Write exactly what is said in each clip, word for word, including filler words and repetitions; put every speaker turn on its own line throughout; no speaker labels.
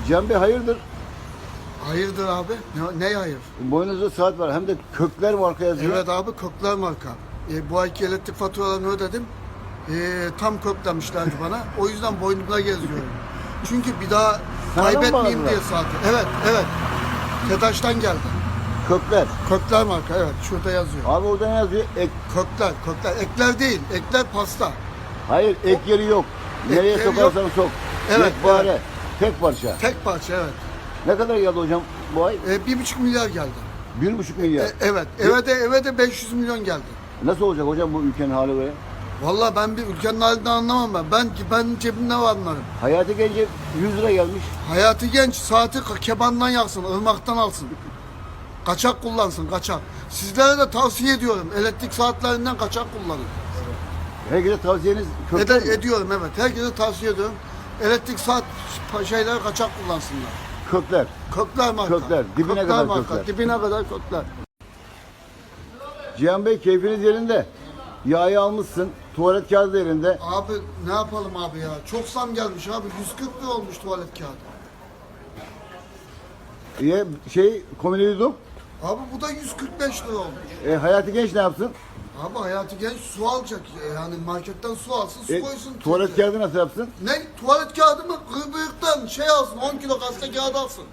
Cem Bey hayırdır?
Hayırdır abi? Ne, ne hayır?
Boynuzda saat var. Hem de Kökler marka yazıyor.
Evet abi, Kökler marka. E, bu ayki elektrik faturalarını ödedim. E, tam köklemişlerdi bana. O yüzden boynumda geziyorum. Çünkü bir daha
Sana mı
kaybetmeyeyim
bağladılar?
diye saati. Evet, evet. TEDAŞ'tan geldi.
Kökler.
Kökler marka, evet. Şurada yazıyor.
Abi orada ne yazıyor? Ek.
Kökler, kökler. Ekler değil. Ekler pasta.
Hayır ek yeri yok. Nereye
yeri yok.
sokarsan sok.
Evet,
Yekpare.
evet.
Tek parça.
Tek parça, evet.
Ne kadar geldi hocam bu ay?
E, bir buçuk milyar geldi.
Bir buçuk milyar.
E, evet. Eve de, eve de beş yüz milyon geldi.
Nasıl olacak hocam bu ülkenin hali böyle?
Vallahi ben bir ülkenin halinden anlamam ben. Ben ben cebimde var anlarım.
Hayati Gence yüz lira gelmiş.
Hayati Genç saati kebandan yaksın, ırmaktan alsın. Kaçak kullansın, kaçak. Sizlere de tavsiye ediyorum. Elektrik saatlerinden kaçak kullanın.
Herkese tavsiyeniz Kökler
Ede,
mi?
ediyorum evet. Herkese tavsiye ediyorum. Elektrik saat şeyleri kaçak kullansınlar.
Kökler.
Kökler marka.
Kökler, dibine kadar
marka.
kökler.
Dibine kadar kökler.
Cihan Bey keyfiniz yerinde. Yağı almışsın. Tuvalet kağıdı da elinde.
Abi ne yapalım abi ya? Çok zam gelmiş abi. yüz kırk lira olmuş tuvalet kağıdı.
E, şey komüneli duydum.
Abi bu da yüz kırk beş lira olmuş.
E, Hayati Genç ne yapsın?
Abi Hayati Genç su alacak. Yani marketten su alsın, su
E,
koysun.
tuvalet
Türkiye.
kağıdı nasıl yapsın?
Ne? Tuvalet kağıdı mı? Gırbıyıktan şey alsın. on kilo gazete kağıdı alsın.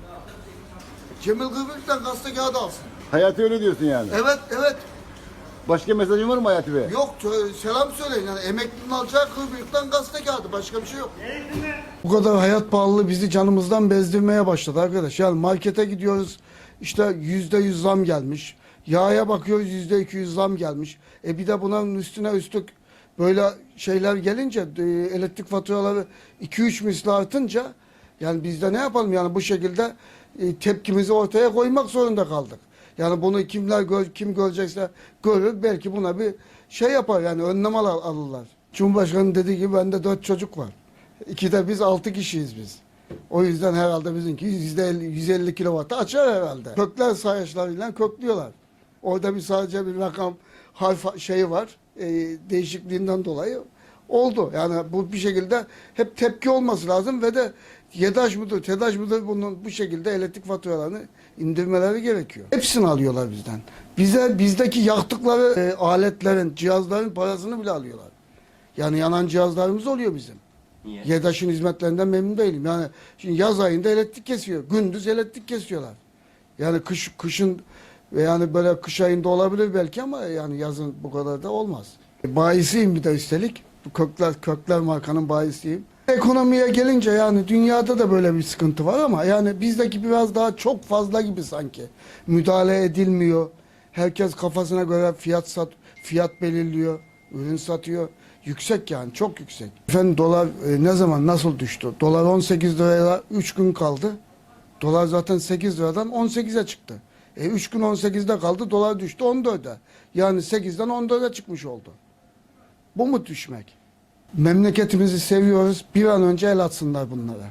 Cemil Gırbıyıktan gazete kağıdı alsın.
Hayati öyle diyorsun yani.
Evet, evet.
Başka mesajın var mı Hayati Bey?
Yok, tö- selam söyleyin. Yani emeklinin alacağı Gırbıyıktan gazete kağıdı. Başka bir şey yok. Bu kadar hayat pahalılığı bizi canımızdan bezdirmeye başladı arkadaş. Yani markete gidiyoruz. İşte yüzde yüz zam gelmiş. Yağa bakıyoruz yüzde iki yüz zam gelmiş. E bir de bunun üstüne üstlük böyle şeyler gelince e, elektrik faturaları iki üç misli artınca yani biz de ne yapalım yani bu şekilde e, tepkimizi ortaya koymak zorunda kaldık. Yani bunu kimler gör, kim görecekse görür belki buna bir şey yapar yani önlem al alırlar. Cumhurbaşkanı dediği gibi bende dört çocuk var. İki de biz altı kişiyiz biz. O yüzden herhalde bizimki yüzde elli, yüz elli kilovatı açar herhalde. Kökler sayaçlarıyla köklüyorlar. Orada bir sadece bir rakam harf şeyi var. E, değişikliğinden dolayı oldu. Yani bu bir şekilde hep tepki olması lazım ve de YEDAŞ mıdır, TEDAŞ mıdır bunun bu şekilde elektrik faturalarını indirmeleri gerekiyor. Hepsini alıyorlar bizden. Bize bizdeki yaktıkları e, aletlerin, cihazların parasını bile alıyorlar. Yani yanan cihazlarımız oluyor bizim.
Niye?
YEDAŞ'ın hizmetlerinden memnun değilim. Yani şimdi yaz ayında elektrik kesiyor. Gündüz elektrik kesiyorlar. Yani kış kışın ve yani böyle kış ayında olabilir belki ama yani yazın bu kadar da olmaz. Bayisiyim bir de üstelik. Bu Kökler, Kökler markanın bayisiyim. Ekonomiye gelince yani dünyada da böyle bir sıkıntı var ama yani bizdeki biraz daha çok fazla gibi sanki. Müdahale edilmiyor. Herkes kafasına göre fiyat sat, fiyat belirliyor, ürün satıyor. Yüksek yani çok yüksek. Efendim dolar e, ne zaman nasıl düştü? Dolar on sekiz liraya üç gün kaldı. Dolar zaten sekiz liradan on sekize çıktı. E üç gün on sekizde kaldı, dolar düştü on dörde. Yani sekizden on dörde çıkmış oldu. Bu mu düşmek? Memleketimizi seviyoruz. Bir an önce el atsınlar bunlara.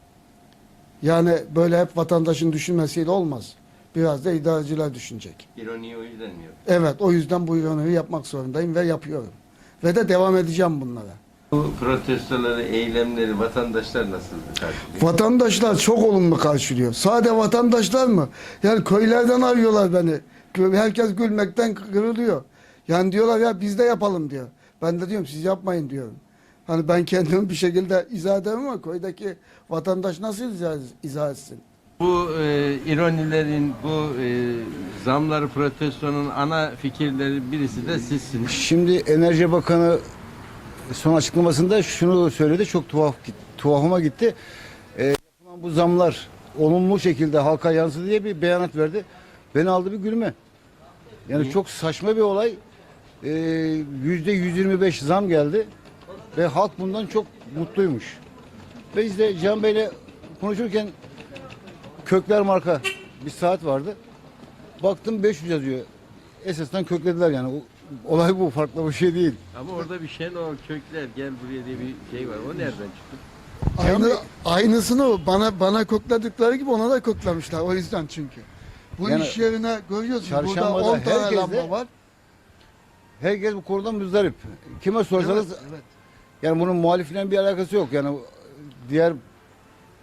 Yani böyle hep vatandaşın düşünmesiyle olmaz. Biraz da idareciler düşünecek.
İroniyi o yüzden mi yok?
Evet, o yüzden bu ironiyi yapmak zorundayım ve yapıyorum. Ve de devam edeceğim bunlara.
Bu protestoları, eylemleri vatandaşlar nasıl karşılıyor?
Vatandaşlar çok olumlu karşılıyor. Sade vatandaşlar mı? Yani köylerden arıyorlar beni. Herkes gülmekten kırılıyor. Yani diyorlar ya biz de yapalım diyor. Ben de diyorum siz yapmayın diyorum. Hani ben kendimi bir şekilde izah ederim ama köydeki vatandaş nasıl izah, izah etsin?
Bu e, ironilerin, bu e, zamları protestonun ana fikirleri birisi de sizsiniz.
Şimdi Enerji Bakanı son açıklamasında şunu söyledi. Çok tuhaf tuhafıma gitti. Ee, yapılan bu zamlar olumlu şekilde halka yansıdı diye bir beyanat verdi. Beni aldı bir gülme. Yani
Niye?
çok saçma bir olay. Ee, yüzde yüz yirmi beş zam geldi ve halk bundan çok mutluymuş. Ve biz de Can Bey'le konuşurken Kökler marka bir saat vardı. Baktım beş yüz yazıyor. Esasen köklediler yani. O- Olay bu, farklı bir şey değil.
Ama orada bir Şenol Kökler gel buraya diye bir şey var. O nereden çıktı?
Aynı, aynısını bana bana kokladıkları gibi ona da koklamışlar. O yüzden çünkü. Bu
Yani
iş yerine görüyorsun burada
çarşambada
on tane
herkes de-
lamba var.
Herkes bu konudan müzdarip. Kime sorsanız
Evet, evet.
yani bunun muhalifle bir alakası yok. Yani diğer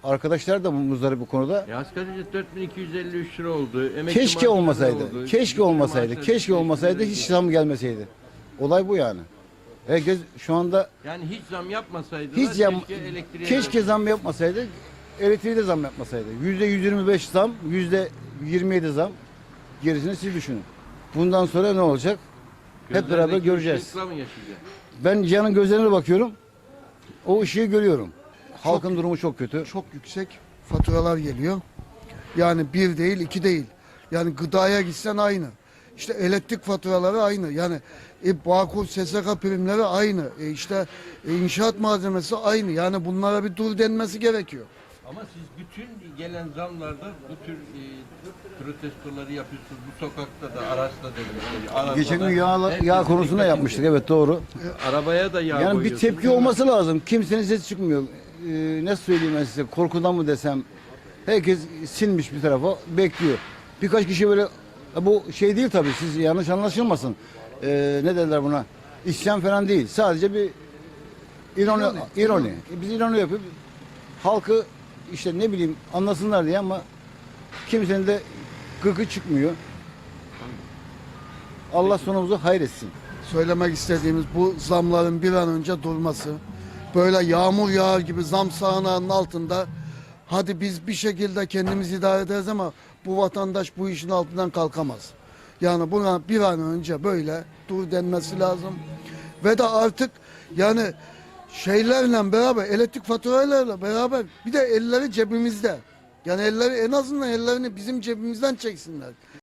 arkadaşlar da muzdarip bu konuda.
E, asgari ücret dört bin iki yüz elli üç lira oldu. Emekli
Keşke
maaşları
olmasaydı.
oldu.
Keşke
Bütün
olmasaydı.
maaşlar
Keşke olmasaydı. Hiç zam gelmeseydi. Olay bu yani. Herkes şu anda
Yani hiç zam yapmasaydılar
hiç zam,
keşke elektriğe
keşke zam yapmasaydı. Elektriğe de zam yapmasaydı. Yüzde yüz yirmi beş zam, yüzde yirmi yedi zam. Gerisini siz düşünün. Bundan sonra ne olacak? Hep beraber
Gözlerdeki
göreceğiz.
ışıkla mı yaşayacağız?
Ben Cihan'ın gözlerine bakıyorum. O ışığı görüyorum. Halkın durumu çok kötü.
Çok yüksek faturalar geliyor. Yani bir değil, iki değil. Yani gıdaya gitsen aynı. İşte elektrik faturaları aynı. Yani e, Bağkur, S S K primleri aynı. E, işte e, inşaat malzemesi aynı. Yani bunlara bir dur denmesi gerekiyor.
Ama siz bütün gelen zamlarda bu tür e, protestoları yapıyorsunuz. Bu sokakta da, araçta da. e, arabada
Geçen gün
da.
yağ,
Herkesin
yağ konusunda
dikkatini
yapmıştık. Evet doğru.
çekiyor. Arabaya da yağ
Yani bir
koyuyorsunuz.
tepki olması lazım. Kimsenin sesi çıkmıyor. Ee, nasıl söyleyeyim ben size? Korkudan mı desem? Herkes sinmiş bir tarafa bekliyor. Birkaç kişi böyle bu şey değil tabii. Siz yanlış anlaşılmasın. Ee, ne derler buna? İsyan falan değil. Sadece bir ironi.
İroni.
ironi. E, Biz ironi yapıp halkı işte ne bileyim anlasınlar diye ama kimsenin de gıkı çıkmıyor. Allah sonumuzu hayretsin.
Söylemek istediğimiz bu zamların bir an önce durması. Böyle yağmur yağar gibi zam sağanağının altında hadi biz bir şekilde kendimizi idare ederiz ama bu vatandaş bu işin altından kalkamaz. Yani buna bir an önce böyle dur denmesi lazım. Ve de artık yani şeylerle beraber elektrik faturalarıyla beraber bir de elleri cebimizde. Yani elleri en azından ellerini bizim cebimizden çeksinler.